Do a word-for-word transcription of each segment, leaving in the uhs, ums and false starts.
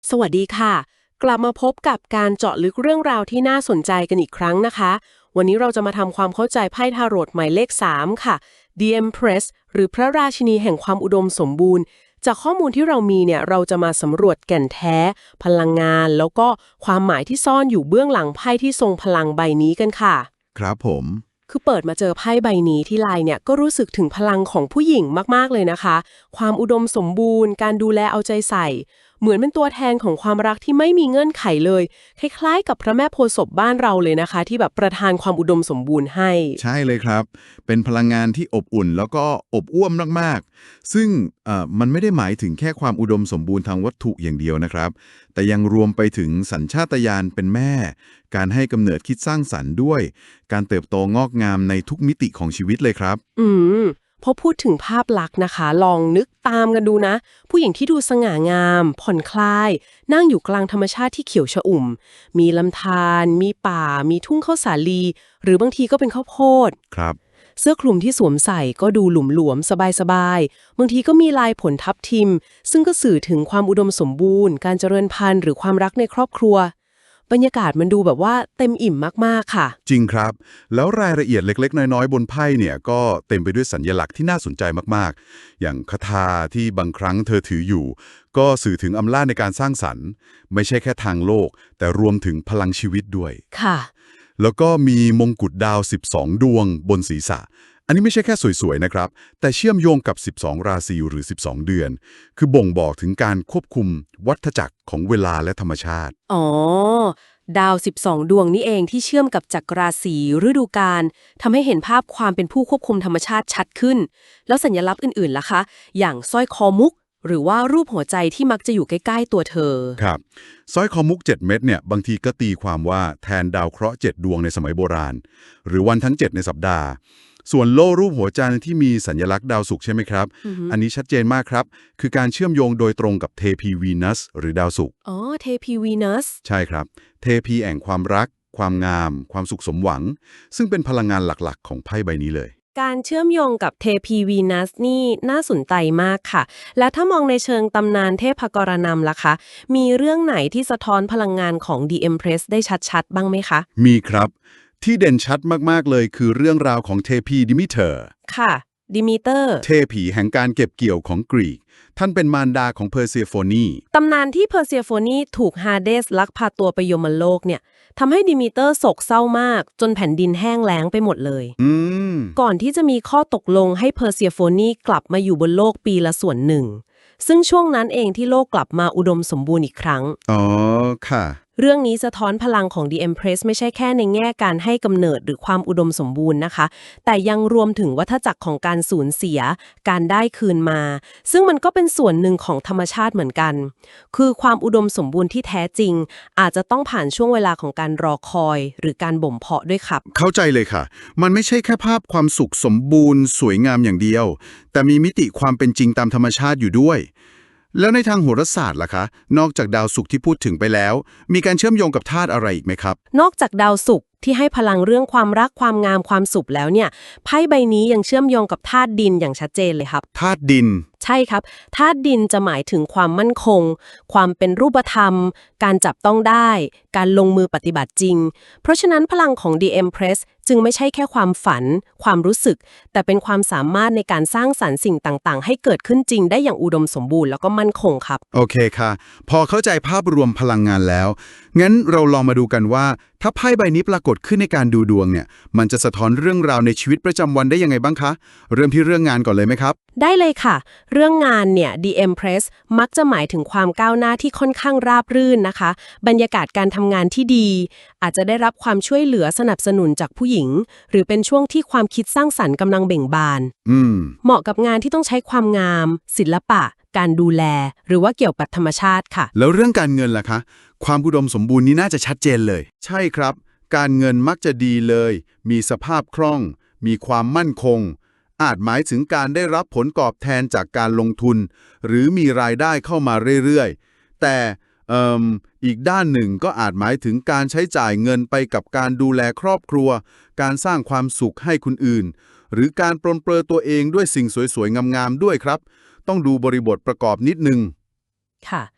สวัสดีค่ะกลับมาพบกับการเจาะลึกเรื่องราวที่น่าสนใจกันอีกครั้งนะคะวันนี้เราจะมาทำความเข้าใจไพ่ทาโรตหมายเลขสามค่ะ The Empress หรือพระราชินีแห่งความอุดมสมบูรณ์จากข้อมูลที่เรามีเนี่ยเราจะมาสำรวจแก่นแท้พลังงานแล้วก็ความหมายที่ซ่อนอยู่เบื้องหลังไพ่ที่ทรงพลังใบนี้กันค่ะครับผมคือเปิดมาเจอไพ่ใบนี้ที่ไลน์เนี่ยก็รู้สึกถึงพลังของผู้หญิงมากๆเลยนะคะความอุดมสมบูรณ์การดูแลเอาใจใส่เหมือนเป็นตัวแทนของความรักที่ไม่มีเงื่อนไขเลยคล้ายๆกับพระแม่โพธิ์ศพบ้านเราเลยนะคะที่แบบประทานความอุดมสมบูรณ์ให้ใช่เลยครับเป็นพลังงานที่อบอุ่นแล้วก็อบอ้วมมากๆซึ่งเอ่อมันไม่ได้หมายถึงแค่ความอุดมสมบูรณ์ทางวัตถุอย่างเดียวนะครับแต่ยังรวมไปถึงสัญชาตญาณเป็นแม่การให้กำเนิดคิดสร้างสรรค์ด้วยการเติบโตงอกงามในทุกมิติของชีวิตเลยครับอืมพอพูดถึงภาพลักษณ์นะคะลองนึกตามกันดูนะผู้หญิงที่ดูสง่างามผ่อนคลายนั่งอยู่กลางธรรมชาติที่เขียวชอุ่มมีลำธารมีป่ามีทุ่งข้าวสาลีหรือบางทีก็เป็นข้าวโพดครับเสื้อคลุมที่สวมใส่ก็ดูหลุมหลวมสบายๆบางทีก็มีลายผลทับทิมซึ่งก็สื่อถึงความอุดมสมบูรณ์การเจริญพันธุ์หรือความรักในครอบครัวบรรยากาศมันดูแบบว่าเต็มอิ่มมากๆค่ะจริงครับแล้วรายละเอียดเล็กๆน้อยๆบนไพ่เนี่ยก็เต็มไปด้วยสัญลักษณ์ที่น่าสนใจมากๆอย่างคาถาที่บางครั้งเธอถืออยู่ก็สื่อถึงอำนาจในการสร้างสรรค์ไม่ใช่แค่ทางโลกแต่รวมถึงพลังชีวิตด้วยค่ะแล้วก็มีมงกุฎดาวสิบสองดวงบนศีรษะอันนี้ไม่ใช่แค่สวยๆนะครับแต่เชื่อมโยงกับสิบสองราศีหรือสิบสองเดือนคือบ่งบอกถึงการควบคุมวัฏจักรของเวลาและธรรมชาติอ๋อดาวสิบสองดวงนี่เองที่เชื่อมกับจักรราศีฤดูกาลทำให้เห็นภาพความเป็นผู้ควบคุมธรรมชาติชัดขึ้นแล้วสัญลักษณ์อื่นๆล่ะคะอย่างสร้อยคอมุกหรือว่ารูปหัวใจที่มักจะอยู่ใกล้ๆตัวเธอครับสร้อยคอมุกเจ็ดเม็ดเนี่ยบางทีก็ตีความว่าแทนดาวเคราะห์เจ็ดดวงในสมัยโบราณหรือวันทั้งเจ็ดในสัปดาห์ส่วนโล่รูปหัวใจที่มีสัญลักษณ์ดาวศุกร์ใช่ไหมครับอือฮึอันนี้ชัดเจนมากครับคือการเชื่อมโยงโดยตรงกับเทพีวีนัสหรือดาวศุกร์อ๋อเทพีวีนัสใช่ครับเทพีแห่งความรักความงามความสุขสมหวังซึ่งเป็นพลังงานหลักๆของไพ่ใบนี้เลยการเชื่อมโยงกับเทพีวีนัสนี่น่าสนใจมากค่ะ และถ้ามองในเชิงตำนานเทพกรณำล่ะคะ มีเรื่องไหนที่สะท้อนพลังงานของ The Empress ได้ชัดๆ บ้างไหมคะมีครับที่เด่นชัดมากๆเลยคือเรื่องราวของเทพีดิมิเตอร์ค่ะดิมิเตอร์เทพีแห่งการเก็บเกี่ยวของกรีกท่านเป็นมารดาของเพอร์เซโฟนีตำนานที่เพอร์เซียโฟนีถูกฮาเดสลักพาตัวไปยมโลกเนี่ยทำให้ดิมิเตอร์โศกเศร้ามาก จนแผ่นดินแห้งแล้งไปหมดเลยอืมก่อนที่จะมีข้อตกลงให้เพอร์เซียโฟนีกลับมาอยู่บนโลกปีละส่วนหนึ่ง ซึ่งช่วงนั้นเองที่โลกกลับมาอุดมสมบูรณ์อีกครั้งอ๋อค่ะเรื่องนี้สะท้อนพลังของ The Empress ไม่ใช่แค่ในแง่การให้กำเนิดหรือความอุดมสมบูรณ์นะคะ แต่ยังรวมถึงวัฏจักรของการสูญเสีย การได้คืนมา ซึ่งมันก็เป็นส่วนหนึ่งของธรรมชาติเหมือนกัน คือความอุดมสมบูรณ์ที่แท้จริง อาจจะต้องผ่านช่วงเวลาของการรอคอย หรือการบ่มเพาะด้วยครับเข้าใจเลยค่ะมันไม่ใช่แค่ภาพความสุขสมบูรณ์สวยงามอย่างเดียวแต่มีมิติความเป็นจริงตามธรรมชาติอยู่ด้วยแล้วในทางโหราศาสตร์ล่ะคะนอกจากดาวศุกร์ที่พูดถึงไปแล้วมีการเชื่อมโยงกับธาตุอะไรอีกไหมครับนอกจากดาวศุกร์ที่ให้พลังเรื่องความรักความงามความสุขแล้วเนี่ยไพ่ใบนี้ยังเชื่อมโยงกับธาตุดินอย่างชัดเจนเลยครับธาตุดินใช่ครับธาตุดินจะหมายถึงความมั่นคง ความเป็นรูปธรรม การจับต้องได้ การลงมือปฏิบัติจริง เพราะฉะนั้นพลังของ The Empress จึงไม่ใช่แค่ความฝัน ความรู้สึก แต่เป็นความสามารถในการสร้างสรรค์สิ่งต่างๆ ให้เกิดขึ้นจริงได้อย่างอุดมสมบูรณ์แล้วก็มั่นคงครับโอเคค่ะ พอเข้าใจภาพรวมพลังงานแล้ว งั้นเราลองมาดูกันว่า ถ้าไพ่ใบนี้ปรากฏขึ้นในการดูดวงเนี่ย มันจะสะท้อนเรื่องราวในชีวิตประจำวันได้ยังไงบ้างคะ เริ่มที่เรื่องงานก่อนเลยไหมครับได้เลยค่ะ เรื่องงานเนี่ย The Empress มักจะหมายถึงความก้าวหน้าที่ค่อนข้างราบรื่นนะคะ บรรยากาศการทำงานที่ดี อาจจะได้รับความช่วยเหลือสนับสนุนจากผู้หญิง หรือเป็นช่วงที่ความคิดสร้างสรรค์กำลังเบ่งบานอืมเหมาะกับงานที่ต้องใช้ความงาม ศิลปะ การดูแล หรือว่าเกี่ยวกับธรรมชาติค่ะแล้วเรื่องการเงินล่ะคะ ความอุดมสมบูรณ์นี้น่าจะชัดเจนเลย ใช่ครับ การเงินมักจะดีเลย มีสภาพคล่อง มีความมั่นคง อาจหมายถึงการได้รับผลตอบแทนจากการลงทุน หรือมีรายได้เข้ามาเรื่อยๆ แต่เอ่มอีกด้านหนึ่งก็อาจหมายถึงการใช้จ่ายเงินไปกับการดูแลครอบครัว การสร้างความสุขให้คนอื่น หรือการปรนเปรอตัวเองด้วยสิ่งสวยๆ งามๆ ด้วยครับ ต้องดูบริบทประกอบนิดนึงค่ะ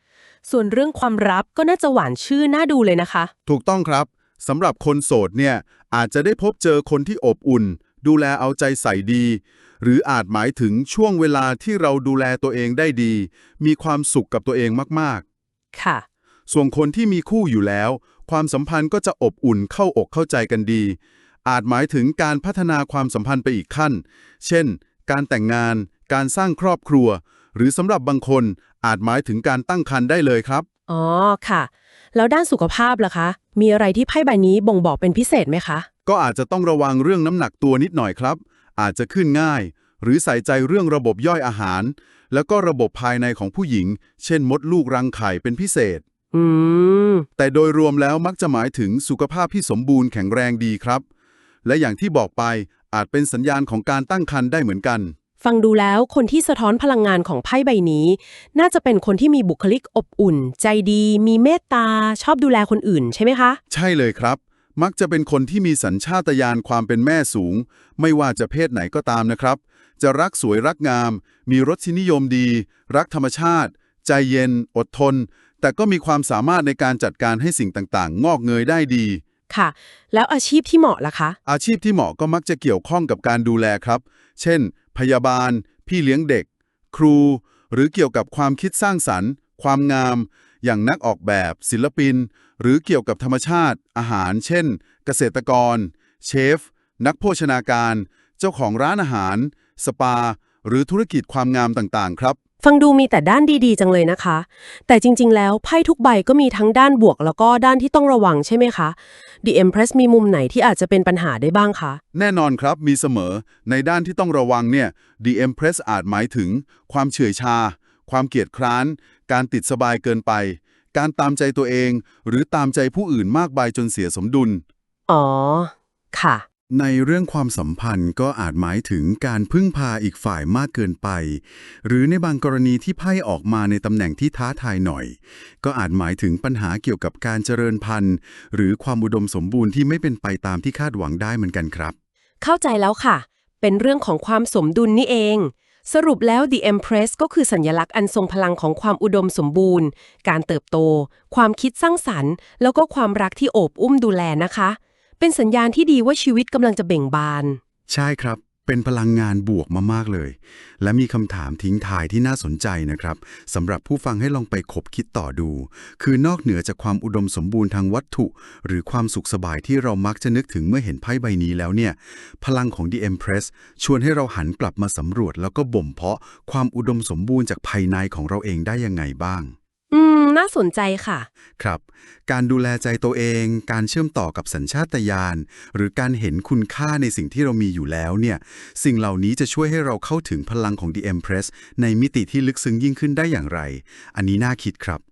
ส่วนเรื่องความรักก็น่าจะหวานชื่นน่าดูเลยนะคะถูกต้องครับสำหรับคนโสดเนี่ยอาจจะได้พบเจอคนที่อบอุ่น ดูแลเอาใจใส่ดี หรืออาจหมายถึงช่วงเวลาที่เราดูแลตัวเองได้ดี มีความสุขกับตัวเองมากๆค่ะส่วนคนที่มีคู่อยู่แล้ว ความสัมพันธ์ก็จะอบอุ่นเข้าอกเข้าใจกันดี อาจหมายถึงการพัฒนาความสัมพันธ์ไปอีกขั้น เช่น การแต่งงาน การสร้างครอบครัว หรือสำหรับบางคนอาจหมายถึงการตั้งครรภ์ได้เลยครับอ๋อค่ะ แล้วด้านสุขภาพล่ะคะ มีอะไรที่ไพ่ใบนี้บ่งบอกเป็นพิเศษไหมคะก็อาจจะต้องระวังเรื่องน้ำหนักตัวนิดหน่อยครับ อาจจะขึ้นง่าย หรือใส่ใจเรื่องระบบย่อยอาหาร แล้วก็ระบบภายในของผู้หญิง เช่นมดลูกรังไข่เป็นพิเศษอืมแต่โดยรวมแล้วมักจะหมายถึงสุขภาพที่สมบูรณ์แข็งแรงดีครับ และอย่างที่บอกไปอาจเป็นสัญญาณของการตั้งครรภ์ได้เหมือนกันฟังดูแล้วคนที่สะท้อนพลังงานของไพ่ใบนี้ น่าจะเป็นคนที่มีบุคลิกอบอุ่น ใจดี มีเมตตา ชอบดูแลคนอื่นใช่ไหมคะใช่เลยครับ มักจะเป็นคนที่มีสัญชาตญาณความเป็นแม่สูง ไม่ว่าจะเพศไหนก็ตามนะครับ จะรักสวยรักงาม มีรสนิยมดี รักธรรมชาติ ใจเย็น อดทน แต่ก็มีความสามารถในการจัดการให้สิ่งต่างๆ งอกเงยได้ดีค่ะ แล้วอาชีพที่เหมาะล่ะคะอาชีพที่เหมาะก็มักจะเกี่ยวข้องกับการดูแลครับ เช่น พยาบาล พี่เลี้ยงเด็ก ครู หรือเกี่ยวกับความคิดสร้างสรรค์ ความงาม อย่างนักออกแบบ ศิลปิน หรือเกี่ยวกับธรรมชาติ อาหาร เช่น เกษตรกร เชฟ นักโภชนาการ เจ้าของร้านอาหาร สปา หรือธุรกิจความงามต่างๆ ครับฟังดูมีแต่ด้านดีๆจังเลยนะคะ แต่จริงๆ แล้วไพ่ทุกใบก็มีทั้งด้านบวกแล้วก็ด้านที่ต้องระวังใช่ไหมคะ The Empress มีมุมไหนที่อาจจะเป็นปัญหาได้บ้างคะแน่นอนครับ มีเสมอ ในด้านที่ต้องระวังเนี่ย The Empress อาจหมายถึง ความเฉื่อยชา ความเกียจคร้าน การติดสบายเกินไป การตามใจตัวเอง หรือตามใจผู้อื่นมากไปจนเสียสมดุลอ๋อ ค่ะในเรื่องความสัมพันธ์ก็อาจหมายถึงการพึ่งพาอีกฝ่ายมากเกินไป หรือในบางกรณีที่ไพ่ออกมาในตำแหน่งที่ท้าทายหน่อย ก็อาจหมายถึงปัญหาเกี่ยวกับการเจริญพันธุ์ หรือความอุดมสมบูรณ์ที่ไม่เป็นไปตามที่คาดหวังได้เหมือนกันครับเข้าใจแล้วค่ะ เป็นเรื่องของความสมดุลนี่เอง สรุปแล้ว The Empress ก็คือสัญลักษณ์อันทรงพลังของความอุดมสมบูรณ์ การเติบโต ความคิดสร้างสรรค์ แล้วก็ความรักที่โอบอุ้มดูแลนะคะ เป็นสัญญาณที่ดีว่าชีวิตกำลังจะเบ่งบานใช่ครับ เป็นพลังงานบวกมากๆเลย และมีคำถามทิ้งท้ายที่น่าสนใจนะครับสำหรับผู้ฟังให้ลองไปคบคิดต่อดู คือนอกเหนือจากความอุดมสมบูรณ์ทางวัตถุ หรือความสุขสบายที่เรามักจะนึกถึงเมื่อเห็นไพ่ใบนี้แล้วเนี่ย พลังของ The Empress ชวนให้เราหันกลับมาสำรวจ แล้วก็บ่มเพาะความอุดมสมบูรณ์จากภายในของเราเองได้ยังไงบ้างอืม น่าสนใจค่ะครับ การดูแลใจตัวเอง การเชื่อมต่อกับสัญชาตญาณ หรือการเห็นคุณค่าในสิ่งที่เรามีอยู่แล้วเนี่ย สิ่งเหล่านี้จะช่วยให้เราเข้าถึงพลังของ The Empress ในมิติที่ลึกซึ้งยิ่งขึ้นได้อย่างไร อันนี้น่าคิดครับ